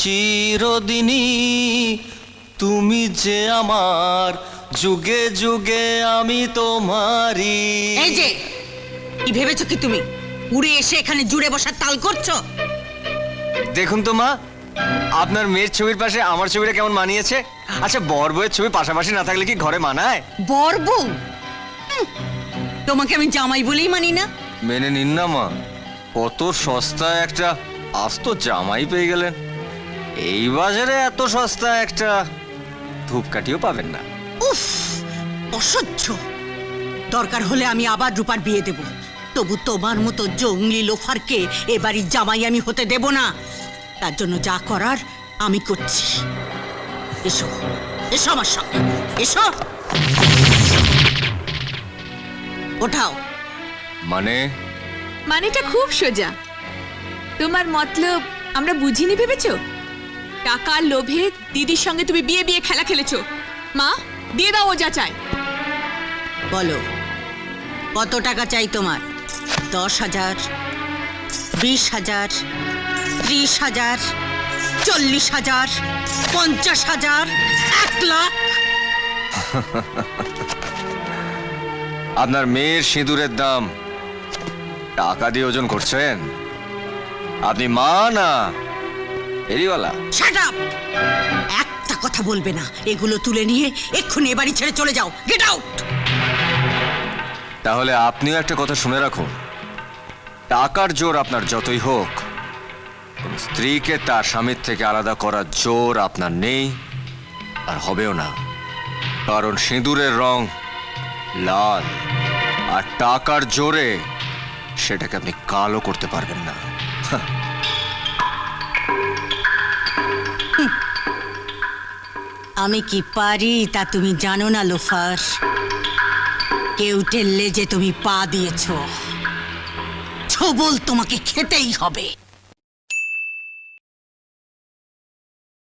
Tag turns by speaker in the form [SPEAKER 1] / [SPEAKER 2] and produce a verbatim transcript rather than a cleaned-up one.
[SPEAKER 1] চিরদিনই তুমি যে আমার, যুগে যুগে আমি তোমারই।
[SPEAKER 2] এই যে কি ভেবেছো কি তুমি উড়ে এসে এখানে জুড়ে বসার তাল করছো?
[SPEAKER 1] দেখুন তো মা, আপনার মেয়ের ছবির পাশে আমার ছবিটা কেমন মানিয়েছে। আচ্ছা, বর বউয়ের ছবি পাশাপাশি না থাকলে কি ঘরে মানায়?
[SPEAKER 2] বর বউ? হুম, তোমাকে আমি জামাই বলেই মানি না।
[SPEAKER 1] মেনে নিন না মা, কত সস্তা একটা আস্ত জামাই পেয়ে গেলেন। এই বাজারে এত সস্তা একটা ধূপকাঠিও পাবেন না।
[SPEAKER 2] উফ, অসহ্য। দরকার হলে আমি আবার রূপার বিয়ে দেব, তবু তোমার মতো জঙ্গলি লোফারকে এ বাড়ির জামাই আমি হতে দেব না। তার জন্য যা করার আমি করছি। এসো এসো আমার সঙ্গে, এসো। ওঠাও।
[SPEAKER 1] মানে?
[SPEAKER 3] মানেটা খুব সোজা। তোমার মতলব আমরা বুঝিনি ভেবেছো? টাকার লোভে দিদির সঙ্গে তুমি বিয়ে বিয়ে খেলা খেলেছো। মা, দিয়ে দাও ও যা চাই।
[SPEAKER 2] বলো, কত টাকা চাই তোমার? দশ হাজার, বিশ হাজার, ত্রিশ হাজার, চল্লিশ হাজার, পঞ্চাশ হাজার, এক লাখ?
[SPEAKER 1] আপনার মেয়ের সিঁদুরের দাম টাকা দিয়ে ওজন করছেন? আপনি মা না ফেরিওয়ালা?
[SPEAKER 2] Shut up! একটা কথা বলবে না। এগুলো তুলে নিয়ে এক্ষুনি এ বাড়ি ছেড়ে চলে যাও। Get out!
[SPEAKER 1] তাহলে আপনিও একটা কথা শুনে রাখুন, টাকার জোর আপনার যতই হোক, কোন স্ত্রীকে তার স্বামীর থেকে আলাদা করার জোর আপনার নেই, আর হবেও না। কারণ সিঁদুরের রং লাল, আর টাকার জোরে সেটাকে আপনি কালো করতে পারবেন না।
[SPEAKER 2] আমি কি পারি তা তুমি জানো না লোফার। কেউ ঠেললে যে তুমি পা দিয়েছ, ছবল তোমাকে খেতেই হবে।